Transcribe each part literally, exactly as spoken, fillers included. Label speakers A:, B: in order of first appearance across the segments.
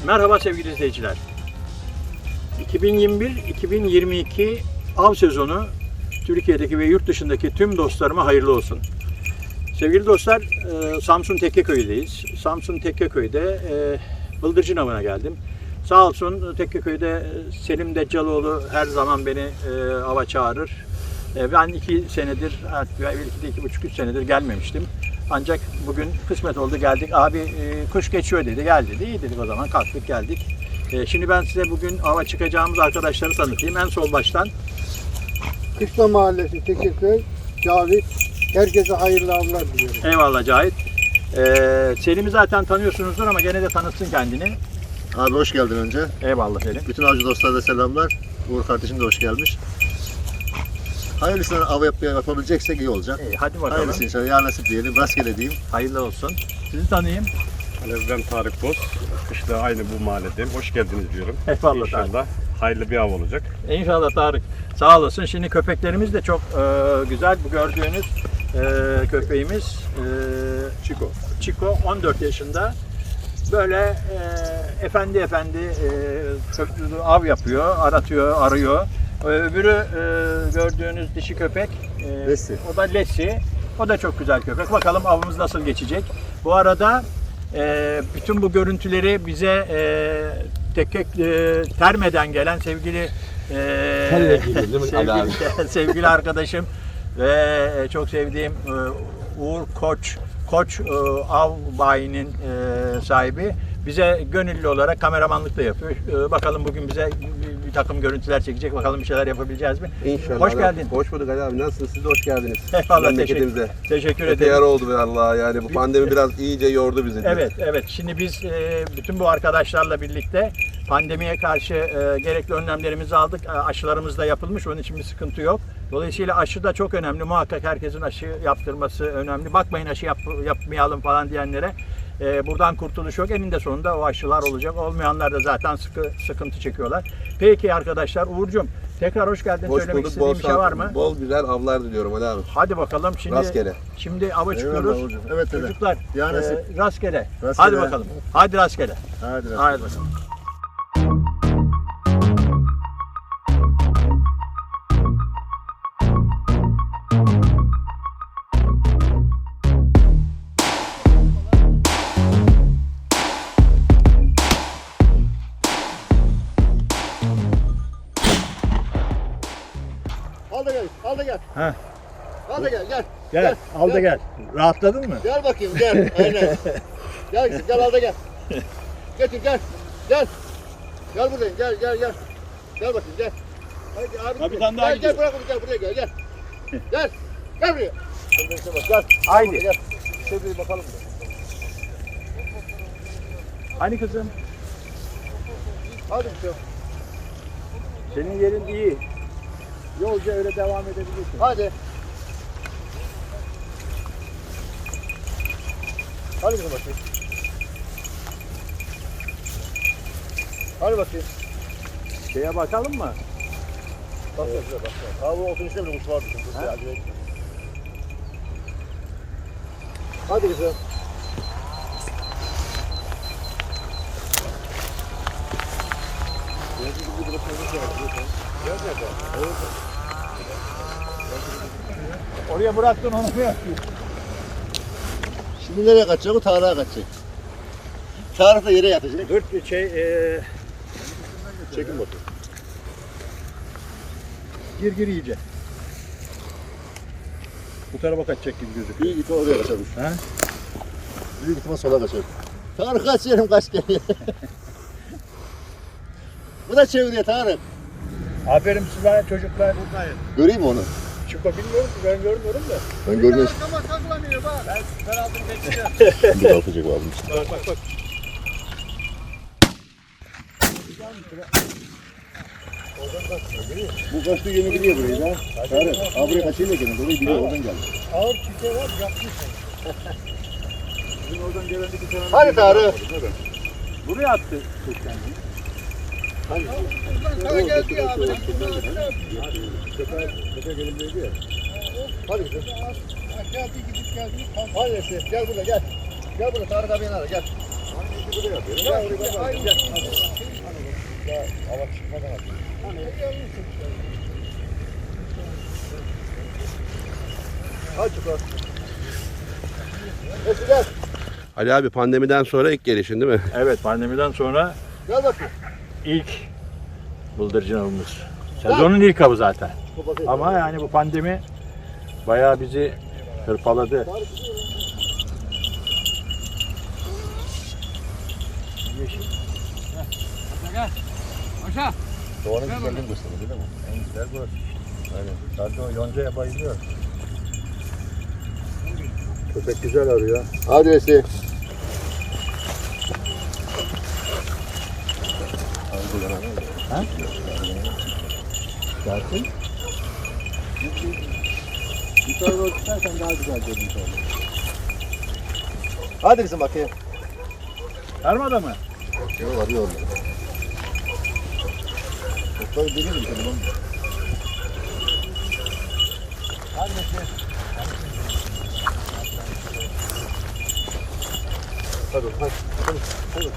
A: Merhaba sevgili izleyiciler. iki bin yirmi bir iki bin yirmi iki av sezonu Türkiye'deki ve yurt dışındaki tüm dostlarıma hayırlı olsun. Sevgili dostlar, Samsun Tekkeköy'deyiz. Samsun Tekkeköy'de bıldırcın avına geldim. Sağ olsun Tekkeköy'de Selim Deccaloğlu her zaman beni ava çağırır. Ben iki senedir, belki de iki buçuk üç senedir gelmemiştim. Ancak bugün kısmet oldu, geldik. Abi kuş geçiyor dedi, gel dedi. İyi dedik, o zaman kalktık geldik. Şimdi ben size bugün ava çıkacağımız arkadaşları tanıtayım. En sol baştan.
B: Kışla Mahallesi Tekkeköy, Cavit. Herkese hayırlı avlar diliyorum.
A: Eyvallah Cahit. Ee, Selim'i zaten tanıyorsunuzdur ama gene de tanıtsın kendini.
C: Abi hoş geldin önce.
A: Eyvallah Selim.
C: Bütün avcı dostlara da selamlar. Uğur kardeşim de hoş gelmiş. Hayırlısıyla av yapmaya yapabileceksek iyi olacak.
A: İyi, hadi bakalım.
C: Hayırlısı inşallah. Ya nasip diyelim. Rastgele diyeyim.
A: Hayırlı olsun. Sizi tanıyayım.
D: Ben Tarık Boz. Kışla aynı bu mahalledeyim. Hoş geldiniz diyorum.
A: Eyvallah
D: İnşallah
A: Tarık.
D: hayırlı bir av olacak.
A: İnşallah Tarık. Sağ olasın. Şimdi köpeklerimiz de çok e, güzel. Bu gördüğünüz e, köpeğimiz e, Chico. Chico on dört yaşında. Böyle e, efendi efendi e, av yapıyor, aratıyor, arıyor. Öbürü e, gördüğünüz dişi köpek. E,
C: Leslie.
A: O da Leslie. O da çok güzel köpek. Bakalım avımız nasıl geçecek. Bu arada e, bütün bu görüntüleri bize e, Tekke e, Terme'den gelen sevgili e, sevgili, sevgili arkadaşım ve çok sevdiğim e, Uğur Koç Koç e, Av Bayi'nin e, sahibi bize gönüllü olarak kameramanlık da yapıyor. E, bakalım bugün bize bir, bir takım görüntüler çekecek. Bakalım bir şeyler yapabileceğiz mi?
E: İnşallah.
A: Hoş geldin.
E: Hoş bulduk Ali abi. Nasılsınız? Siz de hoş geldiniz.
A: Eyvallah,
E: memleketimize.
A: teşekkür, teşekkür
E: Epey
A: ederim.
E: yara oldu be Allah. Yani bu pandemi biraz iyice yordu bizi.
A: Evet, evet. Şimdi biz e, bütün bu arkadaşlarla birlikte pandemiye karşı e, gerekli önlemlerimizi aldık. E, aşılarımız da yapılmış. Onun için bir sıkıntı yok. Dolayısıyla aşı da çok önemli. Muhakkak herkesin aşı yaptırması önemli. Bakmayın aşı yap, yapmayalım falan diyenlere. E, buradan kurtuluş yok. Eninde sonunda o aşılar olacak. Olmayanlar da zaten sıkı, sıkıntı çekiyorlar. Peki arkadaşlar, Uğur'cum tekrar hoş geldin.
E: Hoş
A: Söylemek
E: bulduk.
A: istediğin
E: Bol,
A: bir şey var mı?
E: bol güzel avlar diliyorum Ali abi.
A: Hadi bakalım. Şimdi,
E: Rastgele.
A: Şimdi ava çıkıyoruz.
C: Eyvallah Uğurcuğum. Evet evet.
A: Çocuklar
C: Ya
A: e,
C: nasip.
A: rastgele.
C: Rastgele.
A: Hadi bakalım. Hadi rastgele.
C: Hadi rastgele.
A: Hadi bakalım.
B: Al da gel, al da gel.
A: Heh.
B: Al da gel, gel.
A: Gel, al da gel. Rahatladın mı?
B: Gel bakayım, gel. Aynen. Gel kızım, gel al da gel. Getir, gel. Gel. Gel buraya, gel, gel, gel. Gel bakayım, gel. Hadi abi.
A: Ha, bir tane daha
B: gel,
A: gidiyor.
B: gel, bırak onu, gel buraya, gel, gel. Gel. Gel buraya. Gel, bak, gel.
A: Haydi.
B: Gel. Şöyle bir bakalım.
A: Hani kızım?
B: Hadi bir şey.
A: Senin yerin iyi. Yolca öyle devam edebilirsin.
B: Hadi. Hadi bir bakayım. Hadi bakayım.
A: Şeye bakalım mı?
B: Bak evet. Bak bak. Abi oturuşta bir kuş vardı çünkü. Hadi. Hadi. Hadi kızım.
A: Oraya bıraktın onu mu yapıyorsun?
C: Şimdi nereye kaçacak? O Tarık'a kaçacak. Tarık da yere yatacak.
A: Dur şey e,
C: Çekin bakayım.
A: gir gir iyice. Bu tarafa kaçacak gibi gözüküyor.
C: Büyük ihtimal oraya kaçarmış.
A: Ha?
C: Büyük ihtimal sola kaçar. Tarık kaç yerim kaç geliyor. Bu da çeviriyor Tarık.
A: Aferin size çocuklar.
C: Göreyim mi onu?
A: Çıko bilmiyorum ki, ben görmüyorum da.
C: Ben görmüyorum.
B: Arkama saklanıyor bak. Ben, ben aldım bekliyorum.
C: Bir altacak aldım.
A: Bak bak bak.
C: Bu kaçtığı yönü biliyor burayı da. Tarık. Abi buraya kaçıyla gelin. Orayı biliyor. Oradan geldi.
B: Ağır çiçeği var yapmış.
C: Bizim oradan gelen bir tane.
B: Hadi Tarık.
A: Buraya attı kuş kendini.
B: Sana geldi ya abi.
C: Tepe gelimdeydi ya.
B: Hadi kızım. Geldi gidip geldi. Hadi Esin gel burada gel. Gel burada Tarık abinin ara gel. Hadi çıkar. Mesut gel.
E: Ali abi pandemiden sonra ilk gelişin değil mi?
A: Evet, pandemiden sonra
B: Gel bakayım.
A: ilk bıldırcın avımız. Sezonun ilk avı zaten.
B: Bu bakayım.
A: Ama yani bu pandemi bayağı bizi hırpaladı.
C: Doğanın güzelliğini gösteriyor değil mi?
A: En güzel bu. Aynen. Zaten o yoncaya bayılıyor. Köpek güzel arıyor.
B: Hadi Vesi.
A: Gelsin.
C: Bir tarafa doğru tutarsan daha güzel görünüş olur.
B: Hadi kızım bakayım.
A: Armada mı?
C: Yok arıyor orada. Çokları deli mi canım?
B: Hadi Vesi. Hadi hadi. Hadi. Hadi.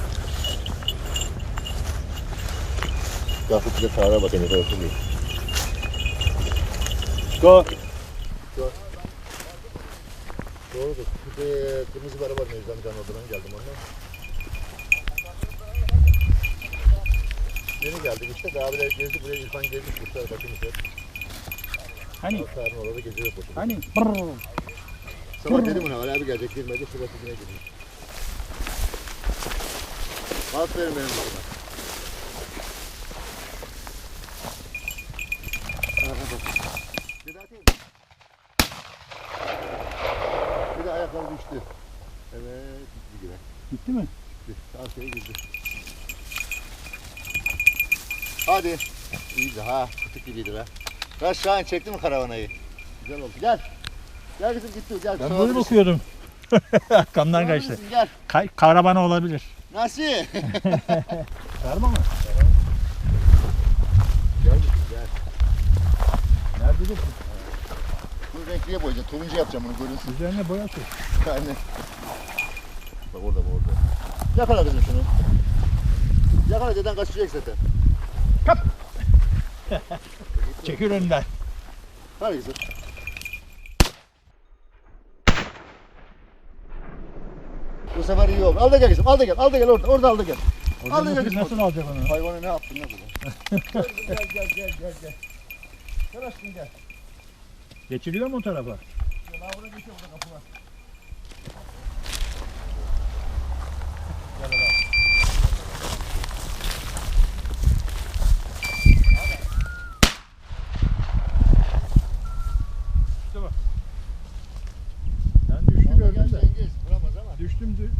C: Kalkıp bize çağıra bakın ne kadar oturuyor.
A: Go.
B: Doğrudur. Bir de kırmızı bir araba var Necdet amcanın oradan geldim ondan. Yeni geldik işte. Daha bile gezdik. Buraya İrfan gezdik. Kuşlar bakımız hep.
A: Hani?
B: Karnı orada geziyor koşuyor.
A: Hani?
B: Sabah dedim ona Ali abi gelecek girmedi. Şurası yine girmiş. Aferin benim kızıma. Bir daha atayım mı? Bir de ayakları düştü. Evet, gitti gibi.
A: Gitti mi?
B: Gitti. Arkaya girdi. Hadi. İyiydi ha. Kutuk gibiydi be. Kaç Şahin çekti mi karavanayı? Güzel oldu. Gel. Gel kızım gitti. Gel.
A: Ben
B: Sağ
A: böyle
B: ol.
A: bakıyordum. Arkamdan
B: Sağ
A: kaçtı.
B: olasın, Gel.
A: Kay karavana olabilir.
B: Nasıl?
A: Karma mı?
B: Gel gel.
A: Nerede dur?
B: Bu renkliye boyayacağım. Turuncu yapacağım bunu görünsün.
A: Üzerine boya sür.
B: Yani. Bak orada bu orada. Yakala kızım şunu. Yakala deden kaçacak zaten.
A: Çekil önden.
B: Hadi kızım. Bu sefer iyi oldu. Al da gel kızım. Al da gel. Al da gel orada. Orada al da gel. Al da gel kızım.
A: Nasıl alacak onu?
B: Hayvanı ne yaptın ne bu? Gel gel gel gel gel gel. Gel aşkım gel.
A: Geçiliyor mu o tarafa?
B: Ya daha burada geçiyor burada kapı var.
A: Ben düştü
B: Al da
A: gördüm
B: gel
A: de.
B: Cengiz. Vuramaz ama.
A: Düştüm dü.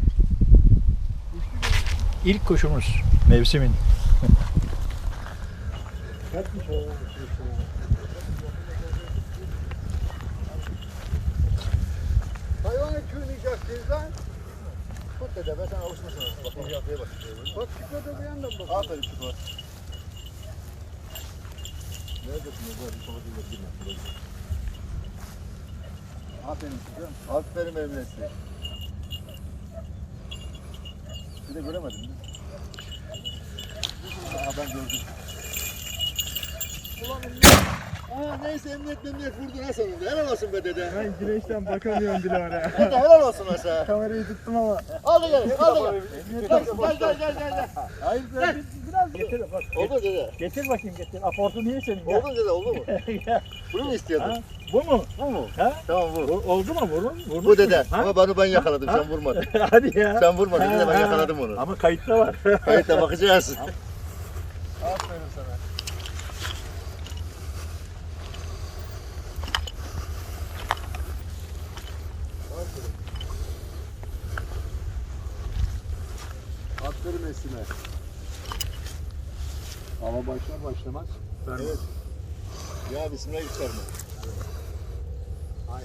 A: İlk kuşumuz mevsimin.
B: Hayvanı tüyüneceksin lan. Tut dede ben sana alışmasın. Bakın yapıya bak. Bak çıkmadı bir yandan bak. Aferin çıkma. Neredesin orada? Bir soğuk değil girme. Aferin çıkıyorum. Aferin benim nesli. Bir de göremedin mi? Aa ben gördüm. Ulan Aa neyse emniyet memniyet vurdu ha sonunda. Helal olsun be dede.
C: Ben güneşten bakamıyorum bile oraya.
B: Dede helal olsun ha sana.
C: Kamerayı tuttum ama.
B: Al da gel, al da gel. Gel gel gel gel gel. gel.
A: Hayır
B: Gel.
A: biraz getir bak.
B: Oldu mu dede?
A: Getir bakayım getir. Aportu niye senin? Gel.
B: Oldu mu dede oldu mu?
A: Gel.
B: Bunu mu istiyordun?
A: Ha? Bu mu?
B: Bu mu?
A: Ha?
B: Tamam bu.
A: Bu- Oldu mu? Vurun. Vurmuş
B: Bu dede.
A: mu? Ha?
B: Ama bunu ben yakaladım sen vurmadın.
A: Hadi ya.
B: Sen vurmadın dede ben
A: Ha,
B: yakaladım onu.
A: Ama kayıtta var.
B: Kayıtta bakacağız. Aferin sana. Aferin. Aferin Esime.
A: Ama başlar başlamaz.
B: Evet. Ya bismillah geçerme. Hayır.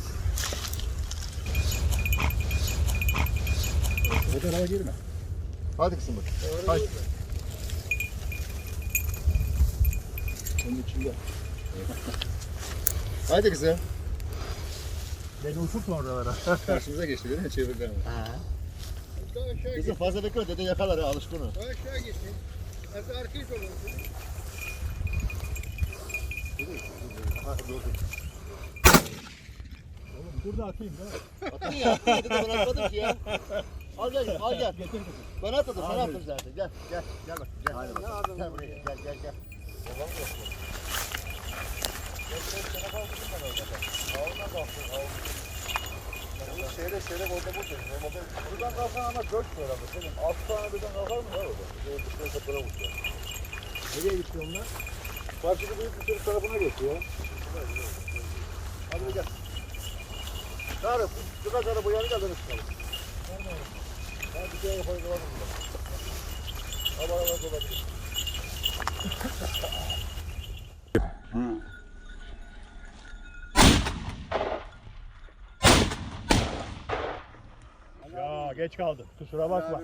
A: O tarafa girme.
B: Hadi kızım bak. Hadi.
A: Onun içinde.
B: Hadi kızım.
A: Beni uçurtma oralara.
B: Karşımıza geçti değil mi? Çevirdi ama. Daha aşağı
C: Kızım
B: git.
C: fazla bekle dede yakalar ha alışkın o.
B: Daha aşağı gitsin. Az arkayı dolan.
A: Burada atayım değil mi?
C: Atın ya atın ya dede ben atmadım ki ya. Al gel al gel. Ben atmadım sen attın zaten. Gel gel gel bak gel. Gel buraya gel gel gel. Seyrek seyrek orada burada. Buradan kalkan ama dört var ama senin. Altı tane birden kalkar mı var orada? Orada kapıra vuruyor.
A: Nereye gitti onlar?
C: Karşıda büyük bir sürü tarafına geçiyor. Hadi gel. Tarık, birkaç ara bu yanı geldi çıkalım. Hadi bir kere koyalım burada. Hava hava olabilir.
A: Ya geç kaldım. Kusura bakma.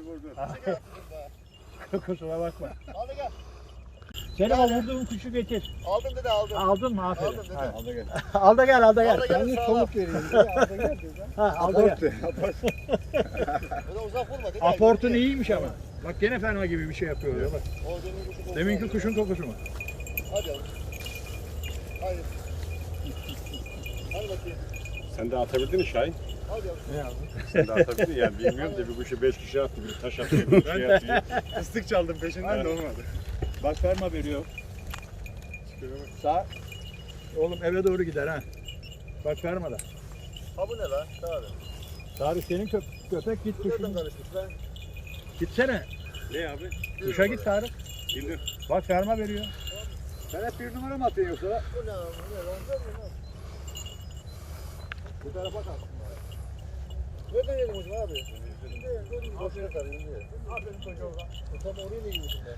A: Kusura bakma.
C: Hadi gel.
A: Senin o vurduğun kuşu getir.
C: Aldım dede aldım.
A: Aldın mı? Aferin.
C: Aldım dede.
A: Ha.
C: Al da gel.
A: Al da gel, al da gel.
C: Al da gel. Sağ ol.
B: vereyim. Al da gel.
A: Ha, al da gel.
C: Böyle uzak vurma dede.
A: Aportun iyiymiş ama. Bak gene fena gibi bir şey yapıyor ya bak.
C: O demin kuşu kokusu
A: Deminki
C: var.
A: kuşun kokusu mu?
C: Hadi yavrum. Hadi. Hadi bakayım.
D: Sen de atabildin mi Şahin?
C: Hadi yavrum.
A: Ne yazdın?
D: Sen de atabildin yani bilmiyorum da bir kuşu beş kişi attı, bir taş atıyor, bir şey atıyor.
C: Fıstık çaldım peşinden
D: Aynen.
C: de olmadı.
A: Bak ferma veriyor. Sağ. Oğlum eve doğru gider ha. Bak ferma da.
C: Ha bu ne lan? Tarık.
A: Tarık senin köp köpek git
C: Bu nereden
A: kuşun.
C: karışmış lan?
A: Gitsene.
D: Ne abi?
A: Kuşa git Tarık.
D: Bildim.
A: Bak ferma veriyor.
C: Sen hep bir numara mı atıyorsun yoksa? Bu ne lan? Bu ne lan? Bu ne lan? Bu tarafa kalk. Nereden yedim hocam abi? Aferin kardeşim. Aferin çocuğa. Tam oraya ne gidiyorsun be?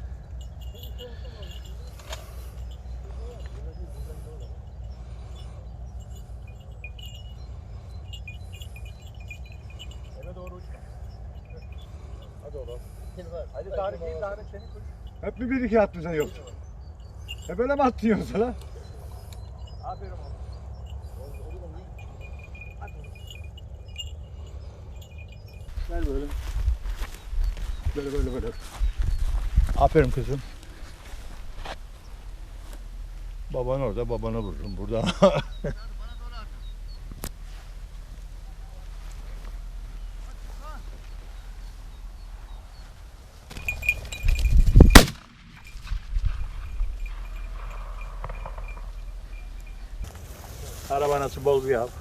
C: Eve doğru uçma. Hadi oğlum.
A: Hadi Tarık değil, Tarık senin kuş.
C: Hep bir bir iki attın sen yoksa. Hep öyle mi attın yoksa lan?
A: Aferin oğlum.
C: Gel böyle. Böyle böyle böyle.
A: Aferin kızım. Baban orada, babana vururum burada. Karavanası bol bir av.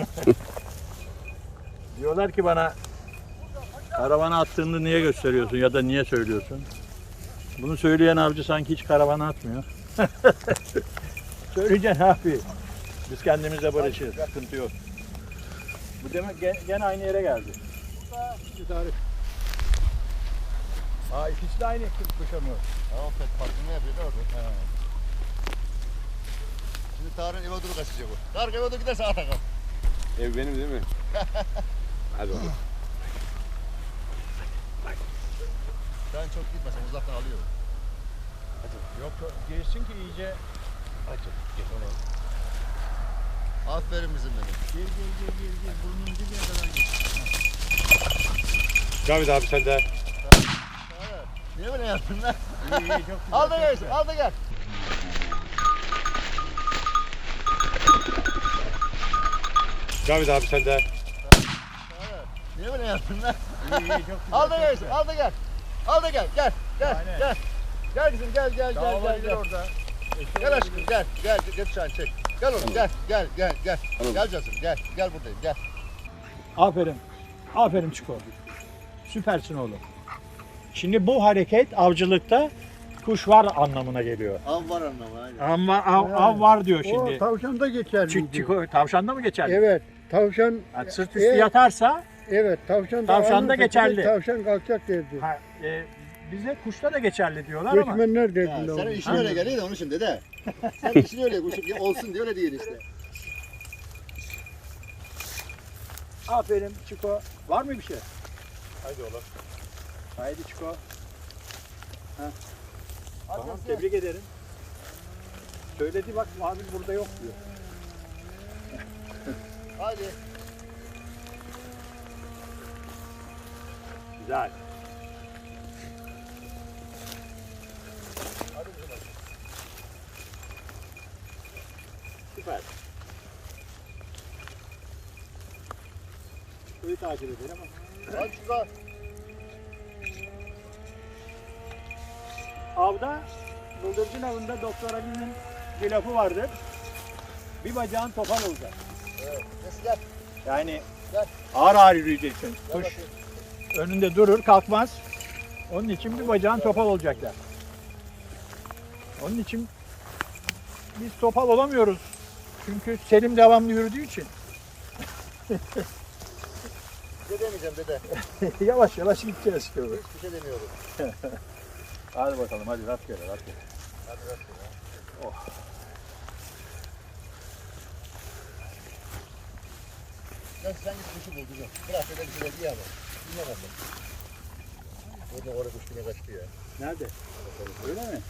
A: Diyorlar ki bana karavana attığını niye gösteriyorsun ya da niye söylüyorsun? Bunu söyleyen avcı sanki hiç karavana atmıyor. Söyleyeceksin abi. Biz kendimizle barışırız. Sıkıntı yok. Bu demek gene, gene aynı yere geldi. Bir tarih. Aa ikisi de aynı kuşamıyor.
C: Tamam pek farklı ne yapıyor da orada? Şimdi Tarık'ın eve doğru kaçacak o. Tarık eve doğru giderse ata kal.
D: Ev benim değil mi? Hadi bakalım.
C: Sen çok gitmesen uzaktan alıyor.
A: Yok girsin ki iyice.
C: Aferin bizim benim.
A: Gir gir gir gir gir. Burnunun dibine kadar gir.
D: Cavit abi sen de.
C: Niye böyle yaptın lan?
A: İyi iyi çok güzel.
C: Al da
A: çok
C: gel,
A: güzel.
C: al da gel.
D: Cavit abi sen de.
C: Niye böyle yaptın lan?
A: İyi iyi çok güzel.
C: Al da
A: çok
C: gel,
A: güzel.
C: al da gel. Al da gel, gel, gel,
A: Aynen.
C: gel. Gel kızım, gel, gel,
A: Daha
C: gel, gel,
A: olabilir
C: gel.
A: orada.
C: Gel aşkım, gel, gel, gel şu an çek. Gel oğlum, gel, gel, gel, gel. Gel canım, gel, gel buradayım, gel.
A: Aferin. Aferin Çiko. Süpersin oğlum. Şimdi bu hareket avcılıkta kuş var anlamına geliyor.
C: Av var anlamı, aynen.
A: Ama av, av var diyor
B: O
A: şimdi.
B: tavşanda geçerli.
A: Çik, çiko, tavşanda mı geçerli?
B: Evet. Tavşan
A: Yani sırt üstü
B: Evet.
A: yatarsa
B: evet tavşan
A: Tavşan
B: ağırlık
A: da
B: çekilir,
A: geçerli.
B: Tavşan kalkacak derdi.
A: ha, e, bize kuşta da geçerli diyorlar ama.
B: Göçmenler
C: Ya,
B: derdiler.
C: senin
B: onu.
C: işin öyle geliyor da onun için dede. Sen işin öyle kuşum ya olsun diye öyle değil işte.
A: Aferin Çiko. Var mı bir şey?
D: Haydi oğlum.
A: Haydi Çiko.
C: Hadi
A: Tamam
C: gelsin.
A: tebrik ederim. Söyledi bak abi burada yok diyor.
C: Hadi.
A: Güzel. Süper. Suyu takip edelim ama.
B: Hadi şurada.
A: Avda, bıldırcın avında Doktor Ali'nin bir lafı vardır. Bir bacağın topal olacak.
B: Evet. Nesi gel.
A: Yani
B: Gel.
A: ağır ağır yürüyeceksin.
B: Gel
A: Kuş
B: bakayım.
A: önünde durur, kalkmaz. Onun için bir bacağın topal olacaklar. Onun için biz topal olamıyoruz. Çünkü Selim devamlı yürüdüğü için.
B: Bir şey demeyeceğim dede.
A: Yavaş yavaş gideceğiz.
B: Hiçbir şey demiyorum.
A: Hadi bakalım, hadi rastgele rastgele.
B: Hadi rastgele.
A: Oh.
B: Gel sen git kuşu bul kızım. Bırak dede bir şeyler yiyelim. Dinle bakalım. Orada orada kuş yine kaçtı ya.
A: Nerede? Öyle mi?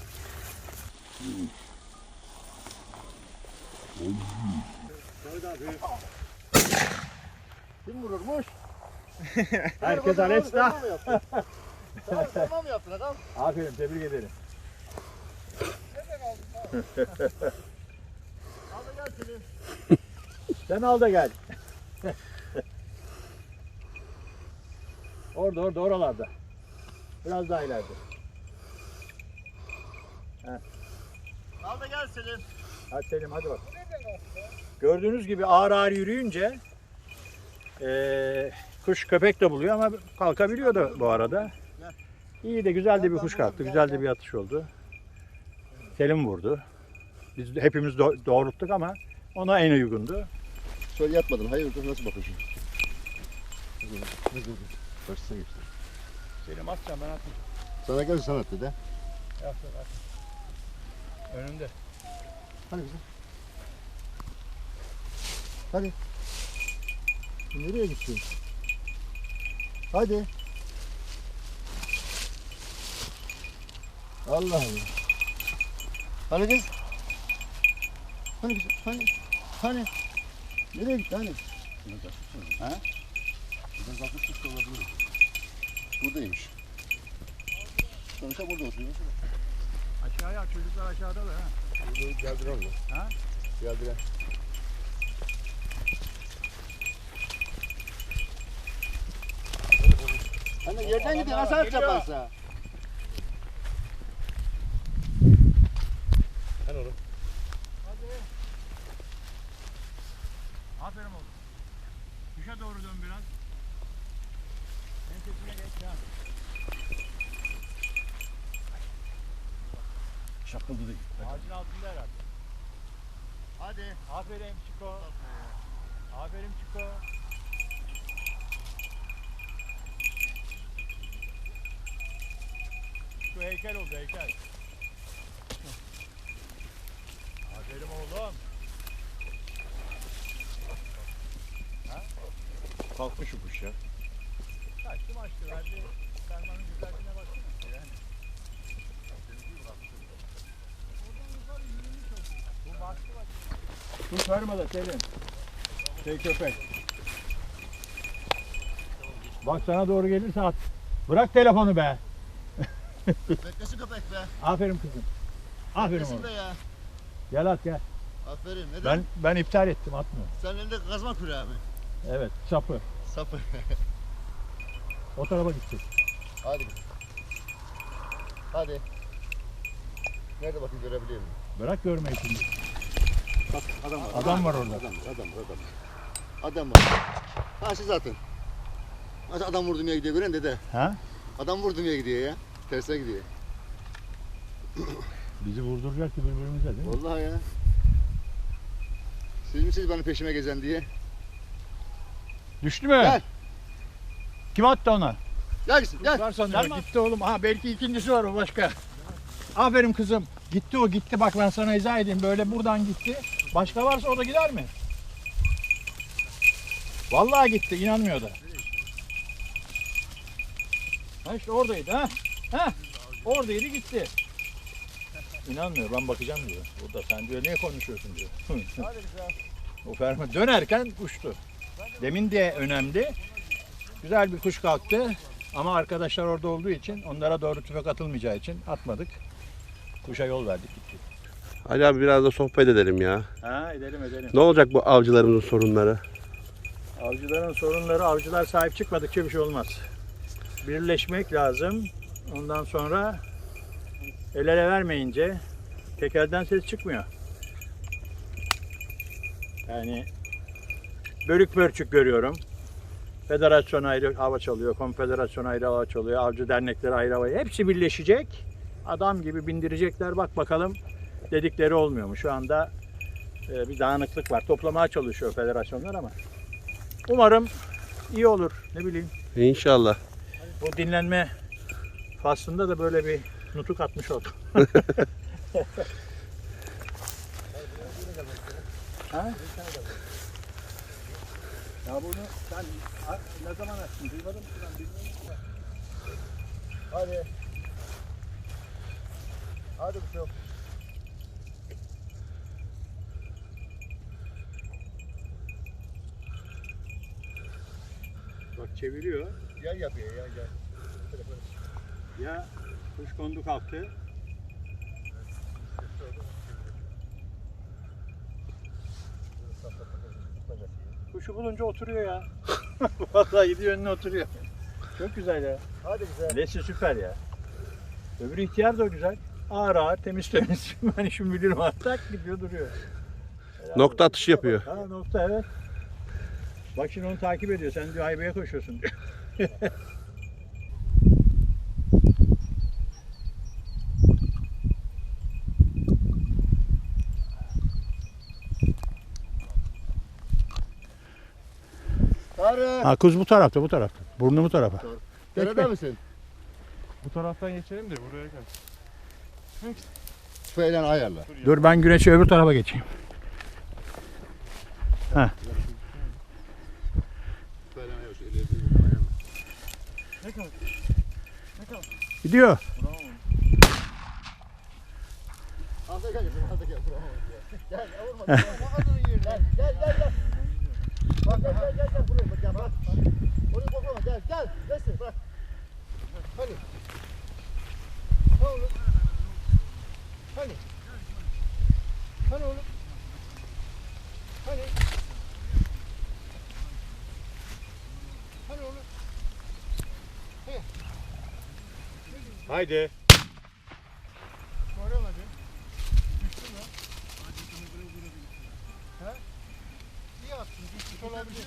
B: Kim vururmuş?
A: Herkes
B: Sen
A: Alesta.
B: mı yaptın? Sen sen mi yaptın adam?
A: Aferin, tebrik ederim.
B: Al da gel Selim.
A: Sen al da gel. Orada, orada, oralarda. Biraz daha ileride.
B: Al da gel Selim.
A: Hadi Selim, hadi bak. Gördüğünüz gibi ağır ağır yürüyünce eee, kuş köpek de buluyor ama kalkabiliyor da bu arada. İyi de güzel de bir kuş kalktı. Güzel de bir atış oldu. Selim vurdu. Biz de hepimiz do- doğrulttuk ama ona en uygundu.
B: Şöyle yatmadın. Hayırdır nasıl bakıyorsun? Ne dur? Karşısına geçti.
A: Selim atacağım, ben atmayacağım.
B: Sana gel sanat dede.
A: Yap, yap. Önünde.
B: Hadi kızım. Hadi. Nereye gittin? Hadi. Allah Allah. Hani kız? Hani kız? Hani? Hani? Nereye gitti hani? Ha? Buradan kalkmıştık da olabilir. Buradaymış. Sonuçta burada oturuyor.
A: Aşağıya, çocuklar aşağıda da ha.
B: Geldiren mi?
A: Ha?
B: Geldiren. Anne yerden gidiyor. Nasıl atacak varsa? Hani oğlum?
A: Aferin oğlum. Düşe doğru dön biraz. Ensesine geç ya.
B: Şakıldı değil.
A: Ağacın altında herhalde.
B: Hadi.
A: Aferin Çiko. Aferin Çiko. Şu heykel oldu heykel. Aferin oğlum.
D: Kalkmış şu kuş ya.
A: Kaçtı maçtı. Verdi. Fermanın güzelliğine baksana. Yani. Bu baktı bak. Kuş verme de Selim. Şey köpek. Bak sana doğru gelirse at. Bırak telefonu be.
B: Beklesin köpek be.
A: Aferin kızım. Aferin
B: Beklesin
A: oğlum.
B: be ya.
A: Gel at gel.
B: Aferin. Neden?
A: Ben ben iptal ettim atmıyor.
B: Sen elinde kazma küreği mi?
A: Evet sapı.
B: Sapı.
A: O tarafa gidecek.
B: Hadi. Hadi. Nerede bakayım görebiliyor muyum?
A: Bırak görmeyi şimdi.
B: Bak adam var.
A: Adam var orada.
B: Adam var, adam var, adam var. Adam var. Karşı zaten. Hadi adam vurdum ya gidiyor gören dede.
A: Ha?
B: Adam vurdum ya gidiyor ya. Tersine gidiyor.
A: Bizi vurduracak ki birbirimize değil mi?
B: Vallahi ya. Siz misiniz bana peşime gezen diye?
A: Düştü mü?
B: Gel.
A: Kim attı ona?
B: Gel gitsin gel.
A: Var sanıyorum. Gitti oğlum. Ha belki ikincisi var o başka. Aferin kızım. Gitti o gitti. Bak ben sana izah edeyim. Böyle buradan gitti. Başka varsa o da gider mi? Vallahi gitti. İnanmıyor da. Ha işte oradaydı ha. Ha. Oradaydı gitti. İnanmıyor. Ben bakacağım diyor. Burada sen diyor niye konuşuyorsun diyor. O ferma dönerken uçtu. Demin de önemli. Güzel bir kuş kalktı. Ama arkadaşlar orada olduğu için, onlara doğru tüfek atılmayacağı için atmadık. Kuşa yol verdik gittik.
E: Ali abi biraz da sohbet edelim ya.
A: Ha edelim edelim.
E: Ne olacak bu avcılarımızın sorunları?
A: Avcıların sorunları, avcılar sahip çıkmadıkça bir şey olmaz. Birleşmek lazım. Ondan sonra el ele vermeyince tekelden ses çıkmıyor. Yani bölük pörçük görüyorum. Federasyon ayrı hava çalıyor, konfederasyon ayrı hava çalıyor, avcı dernekleri ayrı hava. Hepsi birleşecek. Adam gibi bindirecekler. Bak bakalım dedikleri olmuyor mu? Şu anda e, bir dağınıklık var. Toplamaya çalışıyor federasyonlar ama. Umarım iyi olur. Ne bileyim.
E: İnşallah.
A: Bu dinlenme faslında da böyle bir nutuk atmış oldum. Ha? Ya bunu sen ne zaman açtın? Duymadın mı? Ben bilmiyorum.
C: Hadi. Hadi bir şey yok.
A: Bak çeviriyor.
C: Gel yapıyor ya gel.
A: Ya kuş kondu kalktı. Kuşu bulunca oturuyor ya. Vallahi gidiyor önüne oturuyor. Çok güzel ya.
C: Hadi güzel.
A: Lesi süper ya. Öbürü ihtiyar da güzel. Ağır ağır temiz temiz. Ben işimi bilirim artık gidiyor duruyor. Helal
E: Nokta
A: olsun.
E: atışı yapıyor.
A: Ha nokta evet. Bak şimdi onu takip ediyor. Sen diyor haybeye koşuyorsun diyor.
C: Tarık.
A: Ha kuz bu tarafta bu tarafta. Burnu bu tarafa.
C: Nerede misin?
D: Bu taraftan geçelim de buraya gel.
C: Tüfeğiyle ayarla.
A: Dur ben güneşi öbür tarafa geçeyim. Ha.
C: Tüfeğiyle ayarla. Şu ileri ayarla.
D: Ne kadar?
A: Gidiyor.
C: Alta gel. Alta gel. Gel. Vurma. Gel gel gel. Gel. Bak gel gel gel. Gel buraya bak gel bak. Oraya bakma gel gel. Resim bak. Hani. Ne oğlum? Hani. Hani oğlum? Hani. Hani oğlum?
D: Haydi.
C: Sonra hadi. Düştün mü? He? İyi attın. Düşmüş olabilir.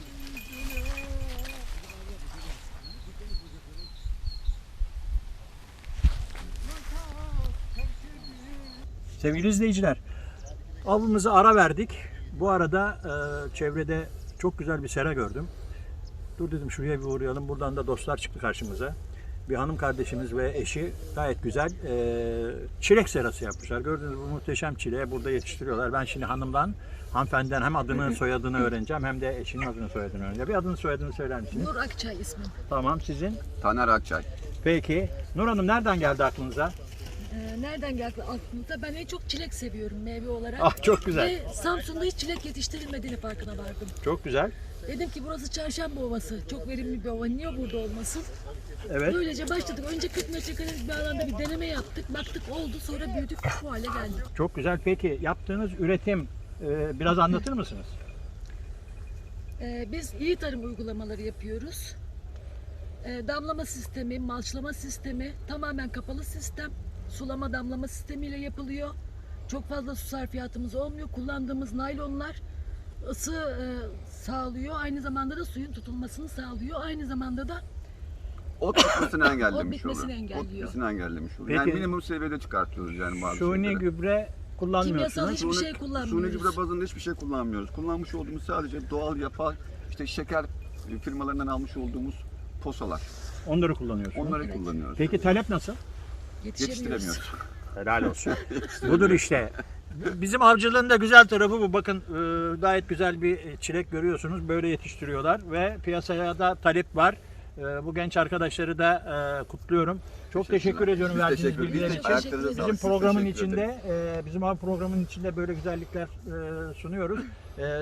A: Sevgili izleyiciler, avımızı ara verdik. Bu arada e, çevrede çok güzel bir sera gördüm. Dur dedim şuraya bir uğrayalım. Buradan da dostlar çıktı karşımıza. Bir hanım kardeşimiz ve eşi gayet güzel e, çilek serası yapmışlar. Gördüğünüz bu muhteşem çileği burada yetiştiriyorlar. Ben şimdi hanımdan, hanımefendiden hem adını soyadını öğreneceğim hem de eşinin adını soyadını öğreneceğim. Bir adını soyadını söyler misiniz?
F: Nur Akçay ismim.
A: Tamam sizin?
G: Taner Akçay.
A: Peki. Nur Hanım nereden geldi aklınıza?
F: Ee, nereden geldi aklınıza? Ben en çok çilek seviyorum meyve olarak.
A: Ah çok güzel.
F: Ve Samsun'da hiç çilek yetiştirilmediğini farkına vardım.
A: Çok güzel.
F: Dedim ki burası Çarşamba Ovası. Çok verimli bir ova. Niye burada olmasın?
A: Evet.
F: Böylece başladık. Önce kırk metrekarelik bir alanda bir deneme yaptık. Baktık oldu. Sonra büyüdük. Bu hale geldik.
A: Çok güzel. Peki yaptığınız üretim e, biraz anlatır mısınız?
F: Ee, biz iyi tarım uygulamaları yapıyoruz. Ee, damlama sistemi, malçlama sistemi tamamen kapalı sistem. Sulama damlama sistemiyle yapılıyor. Çok fazla su sarfiyatımız olmuyor. Kullandığımız naylonlar ısı e, sağlıyor. Aynı zamanda da suyun tutulmasını sağlıyor. Aynı zamanda da
G: Ot bitmesini engellemiş
F: Ot bitmesini
G: oluyor.
F: engelliyor.
G: Ot bitmesini engellemiş oluyor.
A: Peki.
G: Yani minimum seviyede çıkartıyoruz yani bazı
A: Suni
G: şeyleri.
A: gübre kullanmıyorsunuz.
F: Kimyasal hiçbir
G: Suni-
F: şey kullanmıyoruz.
G: Suni gübre bazında hiçbir şey kullanmıyoruz. Kullanmış olduğumuz sadece doğal yapay, işte şeker firmalarından almış olduğumuz posalar.
A: Onları kullanıyorsunuz.
G: Onları
F: Evet.
G: kullanıyoruz.
A: Peki talep nasıl?
F: Yetişemiyoruz.
G: Yetiştiremiyoruz.
A: Helal olsun. Budur işte. Bizim avcılığın da güzel tarafı bu. Bakın e, gayet güzel bir çilek görüyorsunuz. Böyle yetiştiriyorlar ve piyasaya da talep var. E, Bu genç arkadaşları da e, kutluyorum. Çok teşekkür ediyorum
G: Biz
A: verdiğiniz
G: teşekkür
A: bilgiler
G: ederiz.
A: için.
G: Ayaklarınıza
F: Bizim
G: sağlık.
A: Bizim
G: Siz
A: programın
G: teşekkür
A: içinde,
G: ederiz.
A: e, bizim av programının içinde böyle güzellikler e, sunuyoruz. E,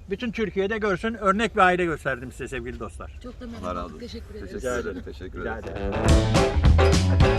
A: bütün Türkiye'de görsün. Örnek bir aile gösterdim size sevgili dostlar.
F: Çok da memnun
G: Allah razı
F: olduk.
G: olsun.
F: Teşekkür ederiz.
G: Teşekkür ederim. Teşekkür
A: Rica
G: ederim.
A: ederim.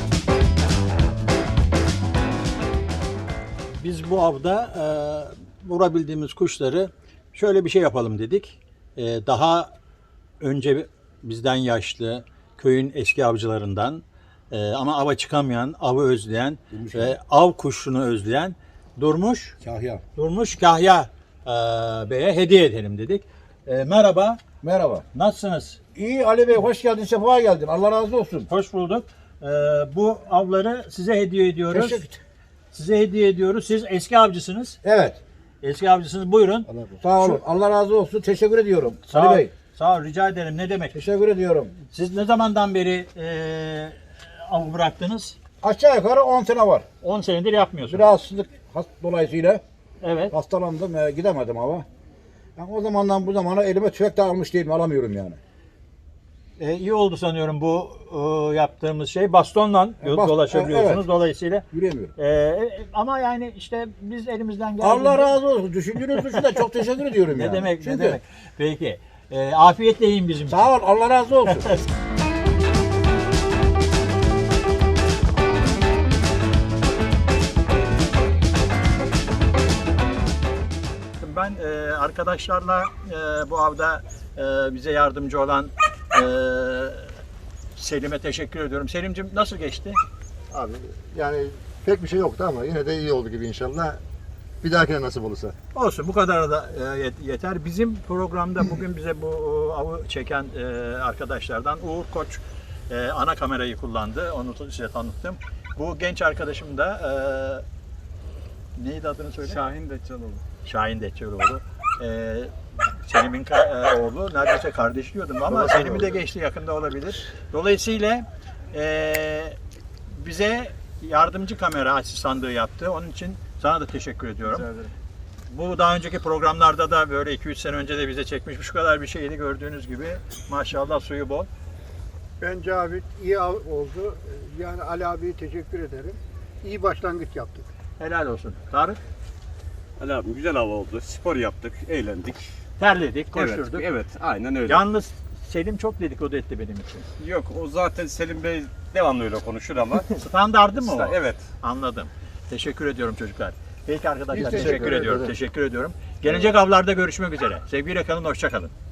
A: Biz bu avda e, vurabildiğimiz kuşları şöyle bir şey yapalım dedik. E, daha önce bizden yaşlı köyün eski avcılarından e, ama ava çıkamayan, avı özleyen ve av kuşunu özleyen Durmuş
C: Kahya.
A: Durmuş Kahya e, Bey'e hediye edelim dedik. E, merhaba,
C: Merhaba.
A: nasılsınız?
C: İyi Ali Bey, hoş geldin, sefa geldin. Allah razı olsun.
A: Hoş bulduk. E, bu avları size hediye ediyoruz.
C: Teşekkür.
A: Size hediye ediyoruz. Siz eski avcısınız.
C: Evet.
A: Eski avcısınız. Buyurun.
C: Sağ olun. Allah razı olsun. Teşekkür ediyorum.
A: Sağ
C: Ali
A: ol.
C: Bey.
A: Sağ ol. Rica ederim. Ne demek?
C: Teşekkür ediyorum.
A: Siz ne zamandan beri e, av bıraktınız?
C: Aşağı yukarı on sene var.
A: on senedir yapmıyorsunuz.
C: Bir rahatsızlık has- dolayısıyla
A: Evet.
C: hastalandım, e, gidemedim ama. Yani o zamandan bu zamana elime tüfek de almış değilim, alamıyorum yani.
A: E, iyi oldu sanıyorum bu e, yaptığımız şey. Bastonla
C: E, bas-
A: dolaşabiliyorsunuz.
C: e, evet.
A: Dolayısıyla
C: Yürüyemiyorum.
A: e, e, ama yani işte biz elimizden geldiğince...
C: Allah razı olsun. Düşündüğünüz için de çok teşekkür ediyorum
A: Ne
C: yani.
A: demek,
C: Çünkü,
A: ne demek. Peki. E, afiyetle yiyin bizim için.
C: Sağ ol. Allah razı olsun.
A: Ben e, arkadaşlarla e, bu avda e, bize yardımcı olan e, Selim'e teşekkür ediyorum. Selim'cim nasıl geçti?
B: Abi yani pek bir şey yoktu ama yine de iyi oldu gibi inşallah. Bir dahakine nasip olursa.
A: Olsun, bu kadar da e, yet- yeter. Bizim programda bugün bize bu e, avı çeken e, arkadaşlardan Uğur Koç e, ana kamerayı kullandı. Onu da size tanıttım. Bu genç arkadaşım da e, neydi adını söyle?
D: Şahin Deccaloğlu.
A: Şahin Deçeroğlu. Ee, Selim'in ka- e, oğlu, neredeyse kardeş diyordum ama Selim'i de geçti, yakında olabilir. Dolayısıyla e, bize yardımcı kamera asistanlığı yaptı. Onun için sana da teşekkür ediyorum.
D: Rica ederim.
A: Bu daha önceki programlarda da böyle iki üç sene önce de bize çekmiş. Şu kadar bir şeydi gördüğünüz gibi. Maşallah suyu bol.
H: Bence abi iyi av oldu. Yani Ali abiye teşekkür ederim. İyi başlangıç yaptık.
A: Helal olsun. Tarık,
D: Ali abi güzel hava oldu. Spor yaptık, eğlendik.
A: terledik, koşturduk.
D: Evet, evet, aynen öyle.
A: Yalnız Selim çok dedikodu etti benim için.
D: Yok, o zaten Selim Bey devamlı öyle konuşur ama.
A: Standardı mı o?
D: Evet.
A: Anladım. Teşekkür ediyorum çocuklar. Peki arkadaşlar
B: Biz
A: teşekkür,
B: teşekkür
A: ediyorum.
B: ederiz.
A: Teşekkür ediyorum. Gelecek avlarda görüşmek üzere. Sevgiyle kalın, hoşça kalın.